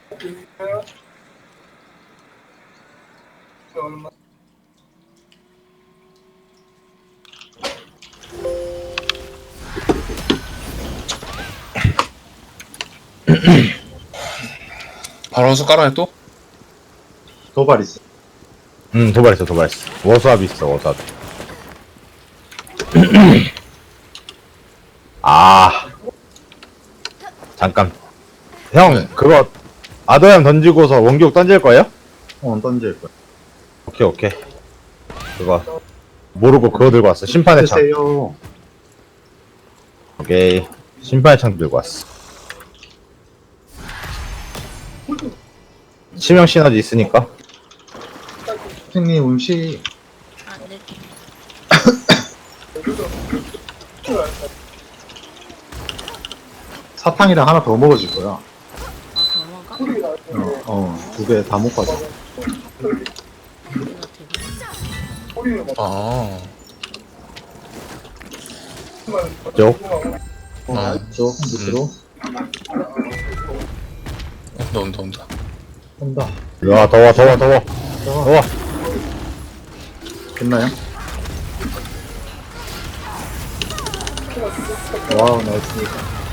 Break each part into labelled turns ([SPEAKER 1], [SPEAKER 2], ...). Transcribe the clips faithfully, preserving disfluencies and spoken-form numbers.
[SPEAKER 1] 바로 원수 깔아요 또?
[SPEAKER 2] 도발 있어.
[SPEAKER 3] 응, 도발 있어, 도발 있어. 워수압 있어, 워수압. 아. 잠깐. 형,
[SPEAKER 1] 네.
[SPEAKER 3] 그거, 아더얌 던지고서 원격 던질 거예요?
[SPEAKER 2] 어, 던질 거야.
[SPEAKER 3] 오케이, 오케이. 그거, 모르고 그거 들고 왔어. 심판의 창.
[SPEAKER 2] 드세요.
[SPEAKER 3] 오케이. 심판의 창 들고 왔어. 치명 시너지 있으니까.
[SPEAKER 2] 선생님 음식
[SPEAKER 4] 아, 네.
[SPEAKER 2] 사탕이랑 하나 더 먹어줄 거야.
[SPEAKER 4] 아, 경화가?
[SPEAKER 2] 어, 어, 두 개 다 먹고 가자.
[SPEAKER 1] 아
[SPEAKER 3] 쪽.
[SPEAKER 2] 어,
[SPEAKER 1] 아.
[SPEAKER 2] 저 밑으로
[SPEAKER 1] 온다 온다 온다.
[SPEAKER 2] 온다.
[SPEAKER 3] 야, 더워, 더워, 더워.
[SPEAKER 2] 어,
[SPEAKER 3] 더워.
[SPEAKER 2] 됐나요? 와우, 나이스.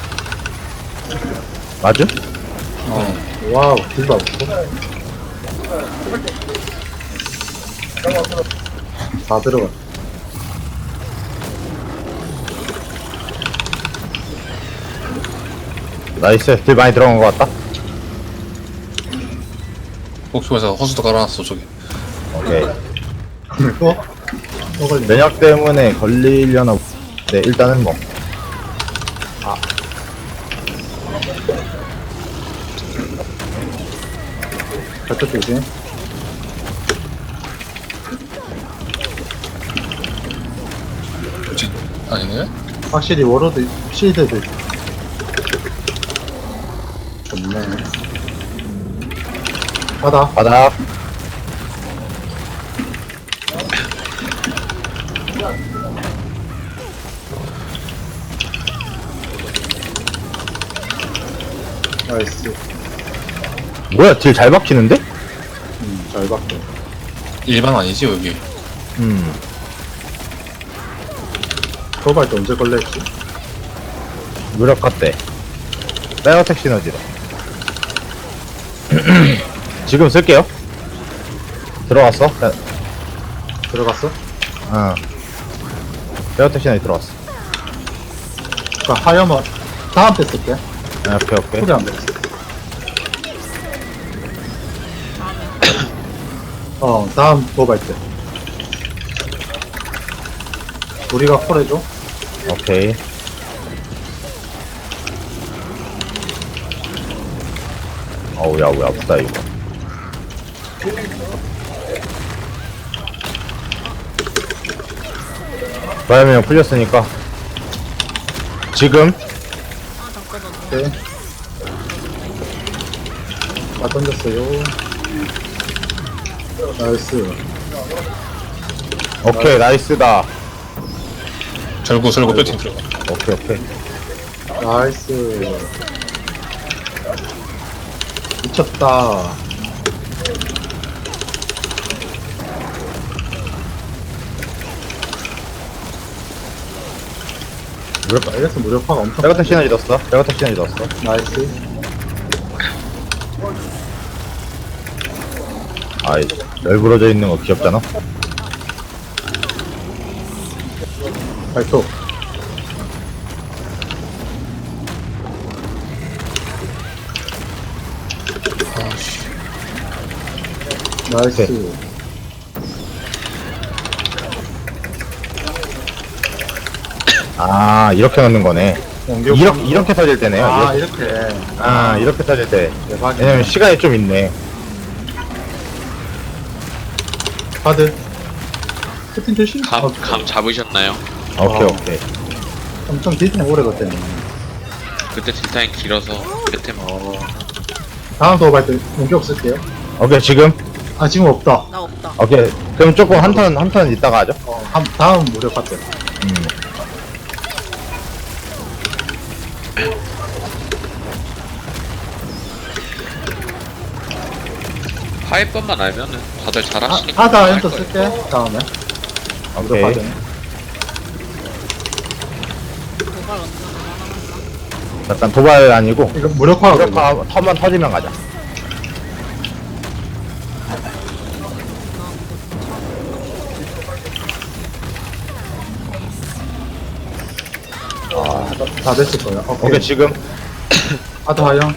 [SPEAKER 3] 맞음?
[SPEAKER 2] 어, 와우, 딜도 없고. 다 들어가.
[SPEAKER 3] 나이스. 딜 많이 들어간 것 같다.
[SPEAKER 1] 목표에서 허수도 깔아놨어 저기.
[SPEAKER 3] 오케이.
[SPEAKER 2] 또? 또 걸리
[SPEAKER 3] 면역 때문에 걸리려나. 네, 일단은 뭐.
[SPEAKER 2] 저쪽 조심.
[SPEAKER 1] 그치? 아니네?
[SPEAKER 2] 확실히 워로드 실드도 있고. 좋네. 바다.
[SPEAKER 3] 바닥.
[SPEAKER 2] 나이스.
[SPEAKER 3] 뭐야, 딜 잘 박히는데?
[SPEAKER 2] 음, 잘 봤고.
[SPEAKER 1] 일반 아니지 여기.
[SPEAKER 3] 음.
[SPEAKER 2] 도발 때 언제 걸렸지?
[SPEAKER 3] 무력 같대. 빼어택 시너지로. 지금 쓸게요. 들어왔어? 네.
[SPEAKER 2] 들어갔어?
[SPEAKER 3] 어. 빼어택 시너지 들어왔어.
[SPEAKER 2] 그니까 하염은 다음 때 쓸게.
[SPEAKER 3] 아, 오케이, 오케이.
[SPEAKER 2] 소리 안 들었어. 어, 다음 도발 때. 우리가 콜해줘?
[SPEAKER 3] 오케이. 어우, 야, 왜 아프다, 이거. 바이오면 풀렸으니까. 지금?
[SPEAKER 4] 아, 잠깐만.
[SPEAKER 2] 오케이. 다 던졌어요. 나이스.
[SPEAKER 3] 오케이, 나이스다.
[SPEAKER 1] 절구 절구 뼈팅 들어가.
[SPEAKER 3] 오케이, 오케이.
[SPEAKER 2] 나이스. 미쳤다.
[SPEAKER 3] 무력,
[SPEAKER 2] 이래서 무력화가 엄청.
[SPEAKER 3] 빼어택 시너지 넣었어. 빼어택 시너지 넣었어.
[SPEAKER 2] 나이스.
[SPEAKER 3] 아이, 널브러져 있는 거 귀엽잖아?
[SPEAKER 2] 발톱.
[SPEAKER 1] 아씨.
[SPEAKER 2] 나이스.
[SPEAKER 3] 아, 이렇게 넣는 거네.
[SPEAKER 2] 공격.
[SPEAKER 3] 이렇게, 이렇게 터질 때네요.
[SPEAKER 2] 아,
[SPEAKER 3] 이렇게.
[SPEAKER 2] 이렇게.
[SPEAKER 3] 아, 이렇게 터질 때.
[SPEAKER 2] 대박이네.
[SPEAKER 3] 왜냐면 시간이 좀 있네.
[SPEAKER 2] 카드. 스팀 조심.
[SPEAKER 5] 감,
[SPEAKER 2] 어,
[SPEAKER 5] 감 잡으셨나요?
[SPEAKER 3] 오케이,
[SPEAKER 2] 어.
[SPEAKER 3] 오케이.
[SPEAKER 2] 엄청 딜타임 오래 걸렸네.
[SPEAKER 5] 그때 딜타임 길어서 그때 뭐
[SPEAKER 2] 어. 다음 도발 때 공격 쓸게요.
[SPEAKER 3] 오케이, 지금?
[SPEAKER 2] 아, 지금 없다.
[SPEAKER 4] 나 없다.
[SPEAKER 3] 오케이. 그럼 조금 한 턴, 한 턴 이따가 하죠.
[SPEAKER 2] 어, 한, 다음 무력화 때.
[SPEAKER 3] 음.
[SPEAKER 5] 파이법만 알면은 다들
[SPEAKER 2] 아,
[SPEAKER 5] 잘하시니까
[SPEAKER 2] 하다
[SPEAKER 5] 할
[SPEAKER 2] 엔터
[SPEAKER 5] 거예요.
[SPEAKER 2] 쓸게. 다음에. 아무도
[SPEAKER 3] 오케이.
[SPEAKER 2] 받으면.
[SPEAKER 4] 도발 언제 나가나?
[SPEAKER 3] 약간 도발 아니고
[SPEAKER 2] 이거 무력화가
[SPEAKER 3] 무력화 턴만 터지면 가자.
[SPEAKER 2] 다 됐을 거예요. 오케이.
[SPEAKER 3] 오케이 지금
[SPEAKER 2] 하다 하영.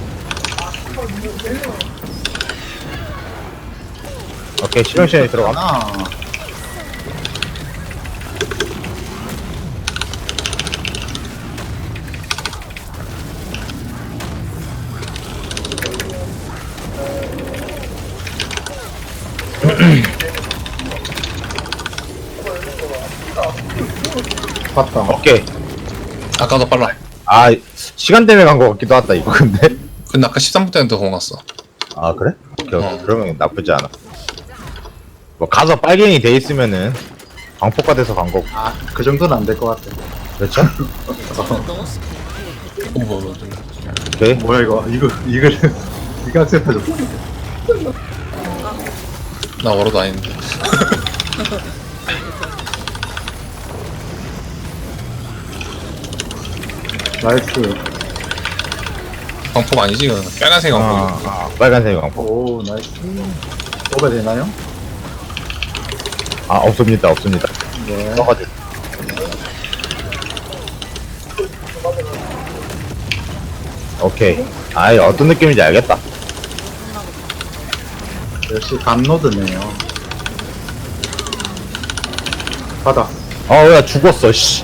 [SPEAKER 3] 오케이 실현 시간이 들어가.
[SPEAKER 2] 하나. 봤다.
[SPEAKER 3] 오케이.
[SPEAKER 1] 아까도 빨라.
[SPEAKER 3] 아 시간 때문에 간 거 같기도 하다 이거 근데.
[SPEAKER 1] 근데 아까 십삼 분 때문에 공 왔어.
[SPEAKER 3] 아 그래? 오케이, 오케이.
[SPEAKER 1] 어.
[SPEAKER 3] 그러면 나쁘지 않아. 뭐 가서 빨갱이 돼 있으면은 광폭화 돼서 간 거고.
[SPEAKER 2] 아, 그 정도는 안 될 것 같아.
[SPEAKER 3] 그렇죠?
[SPEAKER 4] 넣었을 때.
[SPEAKER 1] 오, 뭐, 뭐, 뭐.
[SPEAKER 3] 오케이.
[SPEAKER 2] 뭐야 이거? 이거 이거를 이거 악세해줬어.
[SPEAKER 1] 나 워러도 아닌데.
[SPEAKER 2] 나이스.
[SPEAKER 1] 광폭 아니지? 이거는 빨간색 광폭.
[SPEAKER 3] 아, 아 빨간색 광폭.
[SPEAKER 2] 오 나이스. 오버 되나요?
[SPEAKER 3] 아 없습니다 없습니다.
[SPEAKER 2] 네.
[SPEAKER 3] 써가지고. 오케이. 아이 어떤 느낌인지 알겠다.
[SPEAKER 2] 역시 감노드네요. 받아.
[SPEAKER 3] 어야 죽었어 씨.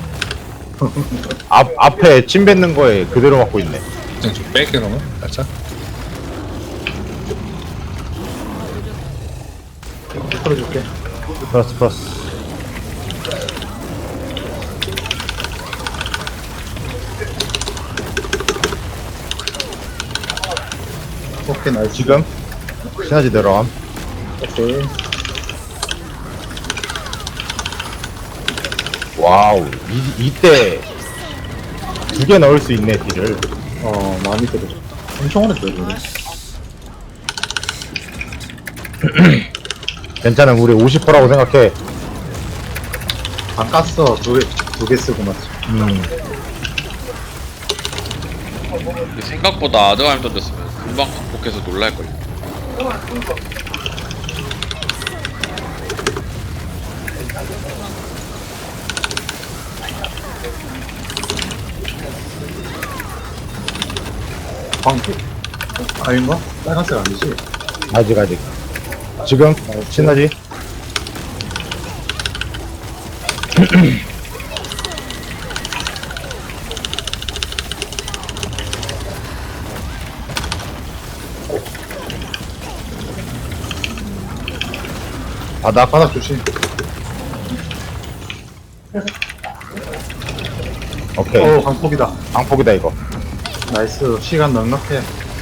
[SPEAKER 3] 앞 앞에 침 뱉는 거에 그대로 맞고 있네.
[SPEAKER 1] 좀 뺄게 그러면 살짝.
[SPEAKER 2] 풀어줄게.
[SPEAKER 3] 플러스 플러스.
[SPEAKER 2] 오케이 나이스.
[SPEAKER 3] 지금 시너지 들어감.
[SPEAKER 2] 오케이.
[SPEAKER 3] 와우 이 이때 두 개 넣을 수 있네 딜을.
[SPEAKER 2] 어 많이 들어줘. 엄청 오래 들어줘.
[SPEAKER 3] 괜찮아 우리 오십 퍼센트라고 생각해.
[SPEAKER 2] 안 깠어. 두개두 개 쓰고 맞지.
[SPEAKER 3] 음
[SPEAKER 5] 근데 생각보다 아드가임 던졌으면 금방 극복해서 놀랄걸요.
[SPEAKER 2] 광고. 아닌가? 빨간색 아니지?
[SPEAKER 3] 아직 아직. 지금 시너지. 바닥
[SPEAKER 2] 바닥 조심.
[SPEAKER 3] 오케이.
[SPEAKER 2] 오 광폭이다.
[SPEAKER 3] 방폭이다 이거.
[SPEAKER 2] 나이스. 시간 넉넉해.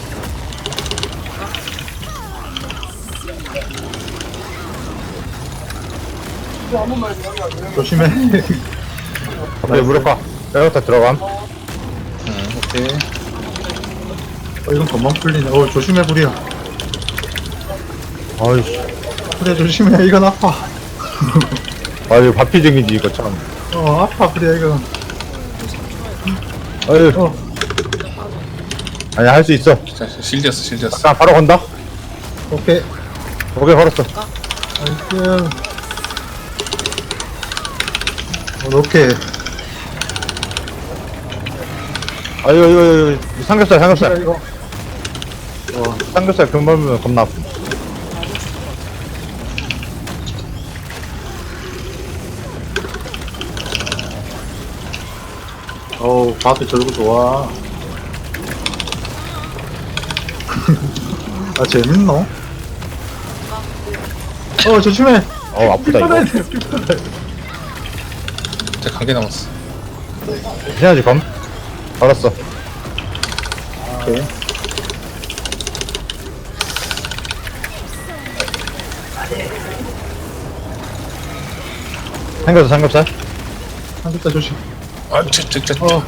[SPEAKER 2] 조심해.
[SPEAKER 3] 오케이 무력화. 빼부터 들어감.
[SPEAKER 1] 응.
[SPEAKER 2] 오케이. 어 이건 금방 풀리네. 어 조심해 부리야.
[SPEAKER 3] 어이씨.
[SPEAKER 2] 부리야 조심해. 이건 아파.
[SPEAKER 3] 아유 바피증이지 이거 참.
[SPEAKER 2] 어 아파 부리야 이건.
[SPEAKER 3] 어유.
[SPEAKER 2] 어
[SPEAKER 3] 아니 할 수 있어.
[SPEAKER 1] 진짜 실드였어, 실드였어.
[SPEAKER 3] 자 바로 건다.
[SPEAKER 2] 오케이.
[SPEAKER 3] 오케이 걸었어.
[SPEAKER 2] 나이스. 어, 오케이.
[SPEAKER 3] 아유 이거 이거 이거 삼겹살
[SPEAKER 2] 자,
[SPEAKER 3] 삼겹살.
[SPEAKER 2] 이거. 어
[SPEAKER 3] 삼겹살 금방 보면 겁나 아픔.
[SPEAKER 2] 어우 바트 절구 좋아. 아 재밌노? 어 조심해.
[SPEAKER 3] 어 아프다 이거.
[SPEAKER 1] 이제 관계 남았어.
[SPEAKER 3] 시너지 검. 걸었어.
[SPEAKER 2] 오케이.
[SPEAKER 3] 삼겹살 삼겹살.
[SPEAKER 2] 한국자 조심.
[SPEAKER 1] 아, 저, 저, 저,
[SPEAKER 2] 어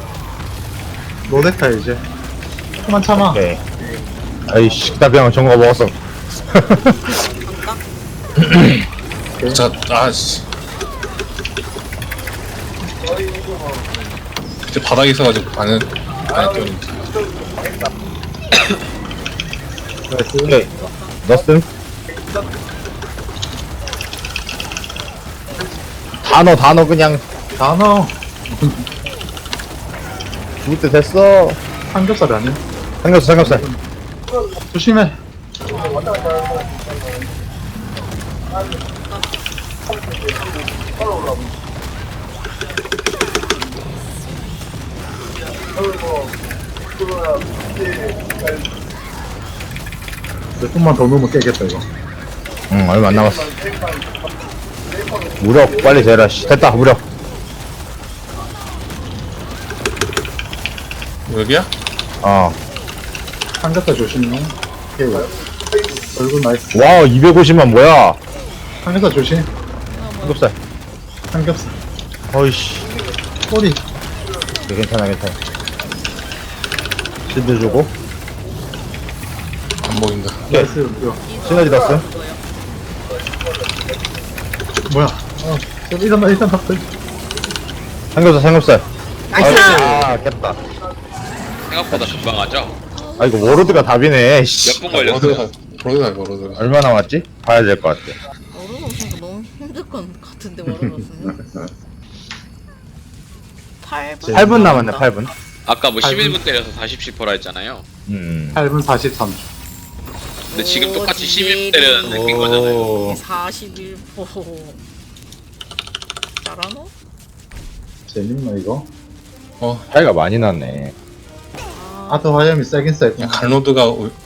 [SPEAKER 2] 노데카 이제. 그만 참아.
[SPEAKER 3] 오케이. 아이씨 나 그냥 정거 먹었어.
[SPEAKER 4] 간다?
[SPEAKER 1] 자, 아씨. 이제 바닥에 있어가지고 반은 안에 뛰었는데.
[SPEAKER 3] 오케이. 넣었음. 단어 단어 그냥
[SPEAKER 2] 단어.
[SPEAKER 3] 죽을 때 됐어.
[SPEAKER 2] 삼겹살 아니야?
[SPEAKER 3] 삼겹살 삼겹살.
[SPEAKER 2] 조심해. 몇 분만 더 넣으면 깨겠다 이거.
[SPEAKER 3] 응 얼마 안 남았어. 무력 빨리 재라. 씨, 됐다 무력.
[SPEAKER 1] 여기야?
[SPEAKER 3] 어.
[SPEAKER 2] 삼겹살 조심해. 오케이. 얼굴 나이스.
[SPEAKER 3] 와 이백오십만 뭐야?
[SPEAKER 2] 삼겹살 조심.
[SPEAKER 3] 삼겹살.
[SPEAKER 2] 삼겹살.
[SPEAKER 3] 어이씨.
[SPEAKER 2] 꼬리.
[SPEAKER 3] 네, 괜찮아 괜찮아. 실드 주고.
[SPEAKER 1] 안 보인다.
[SPEAKER 2] 나이스. 이거.
[SPEAKER 3] 시너지 넣었음.
[SPEAKER 2] 뭐야? 어. 일단 나 일단 탑들.
[SPEAKER 3] 삼겹살 삼겹살.
[SPEAKER 2] 나이스.
[SPEAKER 3] 아 깼다.
[SPEAKER 5] 생각보다 금방 하죠?
[SPEAKER 3] 아 이거 워로드가 답이네. 씨.
[SPEAKER 5] 몇 분 걸렸어요?
[SPEAKER 1] 로드가, 로드가, 로드가.
[SPEAKER 3] 얼마 남았지? 봐야 될 것 같아.
[SPEAKER 4] 워로드 없으니까 너무 힘들 것 같은데 워로드 없으면 팔 분?
[SPEAKER 3] 팔 분 남았네 팔 분.
[SPEAKER 5] 아까 뭐
[SPEAKER 2] 팔 분.
[SPEAKER 5] 십일 분 때려서 사십 퍼라 했잖아요.
[SPEAKER 3] 음.
[SPEAKER 2] 팔 분 사십삼 초.
[SPEAKER 5] 근데 지금 똑같이 십일 분 때렸는데 낀 거잖아요.
[SPEAKER 3] 오.
[SPEAKER 4] 사십일 호 잘하노?
[SPEAKER 2] 재밌나 이거?
[SPEAKER 1] 어,
[SPEAKER 3] 차이가 많이 났네.
[SPEAKER 4] 아,
[SPEAKER 2] 아트 화염이 세긴 세.
[SPEAKER 1] 그냥 갈로드가 올-